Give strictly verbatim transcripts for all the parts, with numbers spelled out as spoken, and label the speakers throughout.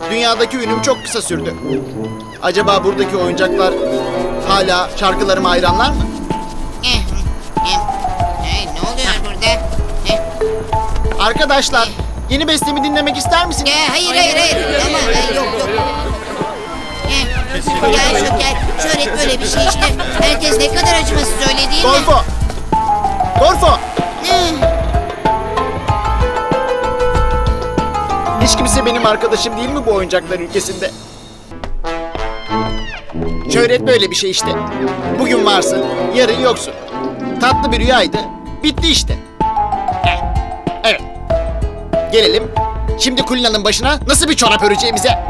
Speaker 1: dünyadaki ünüm çok kısa sürdü. Acaba buradaki oyuncaklar hala şarkılarıma hayranlar mı?
Speaker 2: Eh, eh, eh, ne oluyor burada? Eh,
Speaker 1: Arkadaşlar, yeni bestemi dinlemek ister misiniz?
Speaker 2: eh, hayır hayır hayır. Ama eh, yok yok. Eh, gel Şoker. Şöhret böyle bir şey işte. Herkes ne kadar acımasız öyle değil mi?
Speaker 1: Gorfo! Gorfo!
Speaker 2: Eh,
Speaker 1: Hiç kimse benim arkadaşım değil mi bu oyuncaklar ülkesinde? Şöhret böyle bir şey işte. Bugün varsın, yarın yoksun. Tatlı bir rüyaydı, bitti işte. Eh, Evet. Gelelim. Şimdi Kulina'nın başına nasıl bir çorap öreceğimize.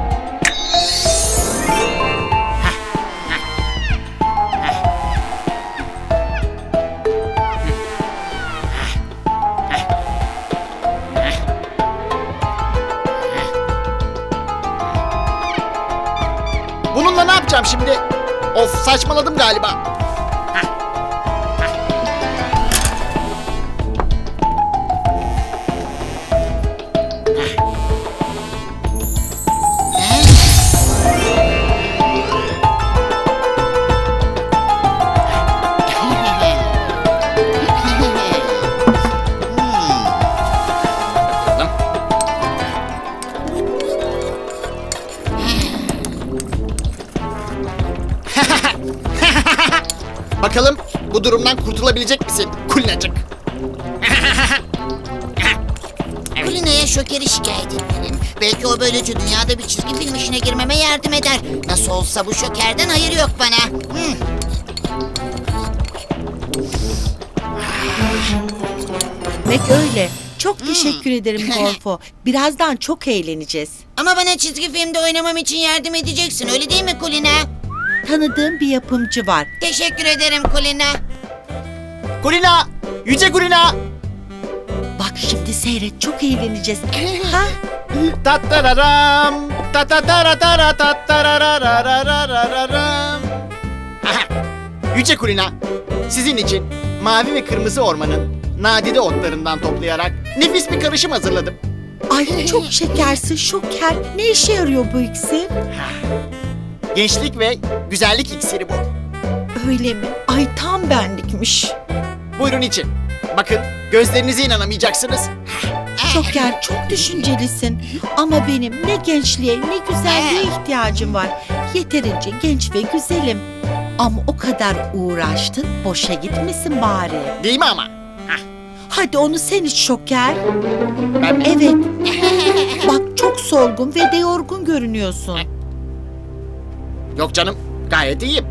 Speaker 1: Bununla ne yapacağım şimdi? Of, saçmaladım galiba. Bakalım bu durumdan kurtulabilecek misin Kulinacık?
Speaker 2: Kulina'ya Şoker'i şikayet etmeliyim. Belki o böylece dünyada bir çizgi film işine girmeme yardım eder. Nasıl olsa bu Şoker'den hayır yok bana. Hmm.
Speaker 3: Demek öyle. Çok teşekkür ederim Gorfo. Birazdan çok eğleneceğiz.
Speaker 2: Ama bana çizgi filmde oynamam için yardım edeceksin, öyle değil mi Kulina?
Speaker 3: Tanıdığım bir yapımcı var.
Speaker 2: Teşekkür ederim Kulina.
Speaker 1: Kulina! Yüce Kulina!
Speaker 3: Bak şimdi seyret, çok eğleneceğiz. Ha?
Speaker 1: Tattararam, tatatara tatarararararararam. Aha! Yüce Kulina, sizin için mavi ve kırmızı ormanın nadide otlarından toplayarak nefis bir karışım hazırladım.
Speaker 3: Ay çok şekersin Şoker. Ne işe yarıyor bu iksir?
Speaker 1: Gençlik ve güzellik iksiri bu.
Speaker 3: Öyle mi? Ay tam benlikmiş.
Speaker 1: Buyurun için. Bakın, gözlerinize inanamayacaksınız.
Speaker 3: Şoker çok düşüncelisin. Ama benim ne gençliğe ne güzelliğe ihtiyacım var. Yeterince genç ve güzelim. Ama o kadar uğraştın, boşa gitmesin bari.
Speaker 1: Değil mi ama?
Speaker 3: Hadi onu sen iç Şoker.
Speaker 1: Ben mi?
Speaker 3: Evet. Bak çok solgun ve de yorgun görünüyorsun.
Speaker 1: Yok canım, gayet iyiyim.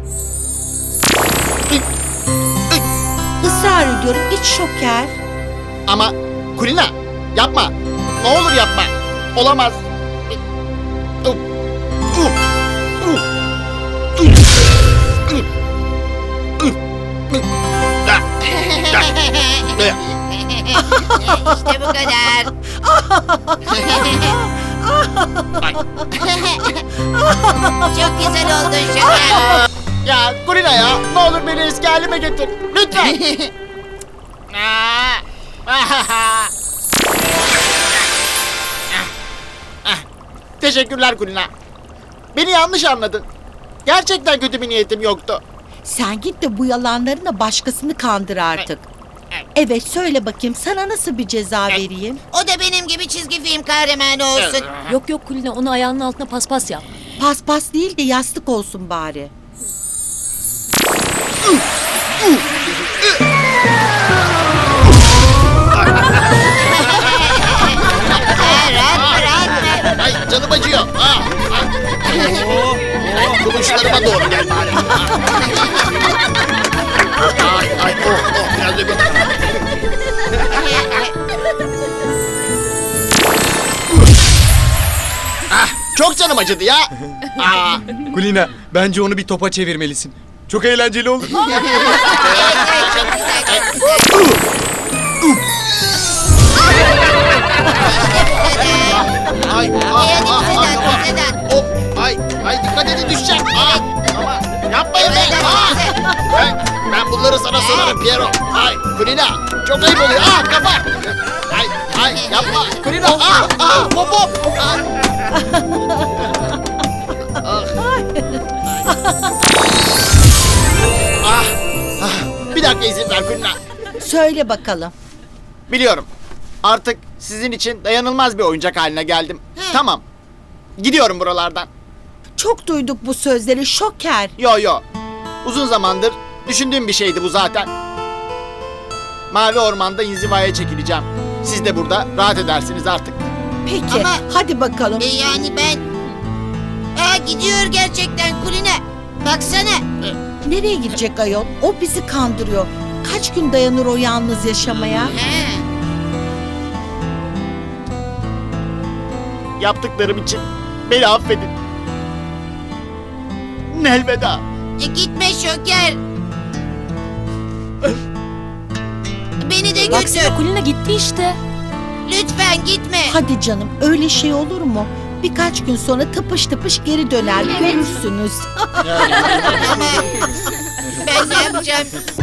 Speaker 3: Israr ediyorum iç Şoker.
Speaker 1: Ama Kulina, yapma. Ne olur yapma. Olamaz. Uh, uh, uh, uh, uh, uh, uh. Da, da, da.
Speaker 2: İşte bu kadar.
Speaker 1: Ay.
Speaker 2: Çok güzel oldun Şoker.
Speaker 1: Ya Kulina ya, ne olur beni eski halime getir. Lütfen. Teşekkürler Kulina. Beni yanlış anladın. Gerçekten kötü bir niyetim yoktu.
Speaker 3: Sen git de bu yalanlarına başkasını kandır artık. Evet söyle bakayım sana nasıl bir ceza vereyim?
Speaker 2: O da benim gibi çizgi film kahramanı olsun.
Speaker 4: Yok yok Kulina, onu ayağının altına paspas yap.
Speaker 3: Paspas değil de yastık olsun bari.
Speaker 2: Rahat rahat.
Speaker 1: Ay canım acıyor. Aa, ay. Kuluşlarıma doğru gel bari. Ay ay oh oh biraz da bir... Ah, çok canım acıdı ya. Aa,
Speaker 5: Kulina, bence onu bir topa çevirmelisin. Çok eğlenceli olur.
Speaker 1: ay ah,
Speaker 2: Hadi
Speaker 1: ah, ah,
Speaker 2: Sedat,
Speaker 1: ah.
Speaker 2: Sedat.
Speaker 1: Oh, ay ay dikkat edin düşeceğim. Aa, ama yapmayın be. Aa, ben, ben bunları sana sorarım Piero. Ay Kulina çok ayıp oluyor. Aa kafa. Ay ay yapma Kulina. Aa aa hop hop. Aa. Ah, ah, bir dakika izin ver Kulina.
Speaker 3: Söyle bakalım.
Speaker 1: Biliyorum. Artık sizin için dayanılmaz bir oyuncak haline geldim.
Speaker 2: He.
Speaker 1: Tamam. Gidiyorum buralardan.
Speaker 3: Çok duyduk bu sözleri Şoker.
Speaker 1: Yo yo. Uzun zamandır düşündüğüm bir şeydi bu zaten. Mavi ormanda inzivaya çekileceğim. Siz de burada rahat edersiniz artık.
Speaker 3: Peki
Speaker 2: Ama-
Speaker 3: hadi bakalım.
Speaker 2: E yani ben... Aa, gidiyor gerçekten Kuline. Baksana.
Speaker 3: Nereye gidecek ayol? O bizi kandırıyor. Kaç gün dayanır o yalnız yaşamaya?
Speaker 2: He.
Speaker 1: Yaptıklarım için beni affedin. Elveda.
Speaker 2: E, gitme Şoker. Beni de götür.
Speaker 4: Baksana Kulina gitti işte.
Speaker 2: Lütfen gitme.
Speaker 3: Hadi canım öyle şey olur mu? Birkaç gün sonra tıpış tıpış geri döner görürsünüz.
Speaker 2: Ama ben ne yapacağım?